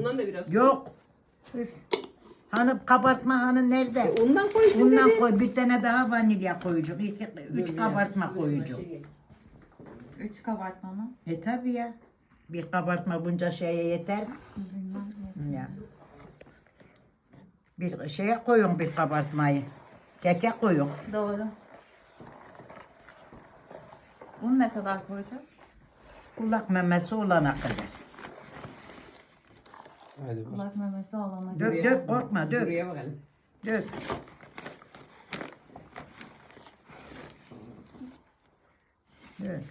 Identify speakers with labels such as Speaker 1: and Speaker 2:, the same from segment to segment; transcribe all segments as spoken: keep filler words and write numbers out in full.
Speaker 1: Ondan da biraz koy.
Speaker 2: Yok. Hanım kabartma hanım nerede?
Speaker 1: E, Ondan koy. işte
Speaker 2: Bundan
Speaker 1: dedi.
Speaker 2: koy bir tane daha vanilya koyacak. İki, üç
Speaker 1: Dur,
Speaker 2: kabartma
Speaker 1: ya,
Speaker 2: koyacak.
Speaker 1: şey-
Speaker 3: Üç kabartma mı?
Speaker 2: E tabi ya. Bir kabartma bunca şeye yeter mi?
Speaker 3: Bilmem.
Speaker 2: Ya. Bir şeye koyun bir kabartmayı. Keke koyun.
Speaker 3: Doğru. Bunu ne kadar koyacağız?
Speaker 2: Kulak memesi olana kadar.
Speaker 4: Hadi bak.
Speaker 3: Kulak memesi olana
Speaker 2: Dök
Speaker 3: kadar.
Speaker 1: Buraya-
Speaker 2: dök korkma dök.
Speaker 1: Buraya bak hele.
Speaker 2: Dök. Dök.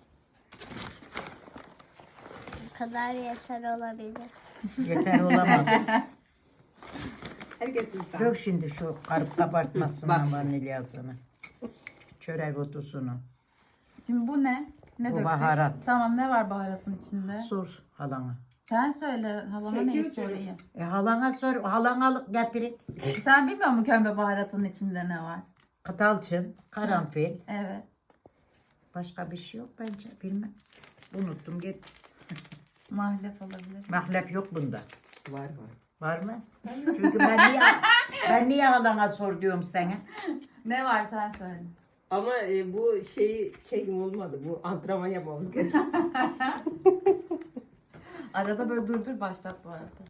Speaker 5: Bu kadar yeter olabilir.
Speaker 2: Yeter olamaz.
Speaker 1: Herkesin sağ.
Speaker 2: Dök şimdi şu karıp kabartmasını
Speaker 1: Bak.
Speaker 2: vanilyasını. Çörek otusunu.
Speaker 3: Şimdi bu ne? Ne
Speaker 2: Bu
Speaker 3: döktük?
Speaker 2: baharat.
Speaker 3: Tamam, ne var baharatın içinde?
Speaker 2: Sor halana.
Speaker 3: Sen söyle, halama neyi
Speaker 1: Çekiyor çocuk.
Speaker 3: söyleyeyim?
Speaker 2: E halana sor. Halana alıp getirin.
Speaker 3: Sen bilmiyor musun kömbe baharatının içinde ne var?
Speaker 2: Katalçın, karanfil.
Speaker 3: Evet.
Speaker 2: Başka bir şey yok bence. Bilmem. Unuttum git.
Speaker 3: Mahlep olabilir.
Speaker 2: Mahlep yok bunda.
Speaker 1: Var var.
Speaker 2: Var mı? Çünkü ben niye ben niye halana sor diyorum sana.
Speaker 3: Ne var sen söyle.
Speaker 1: Ama e, bu şeyi çekim olmadı. Bu antrenman yapmamız gerekiyor.
Speaker 3: Arada böyle dur dur başlat bu arada.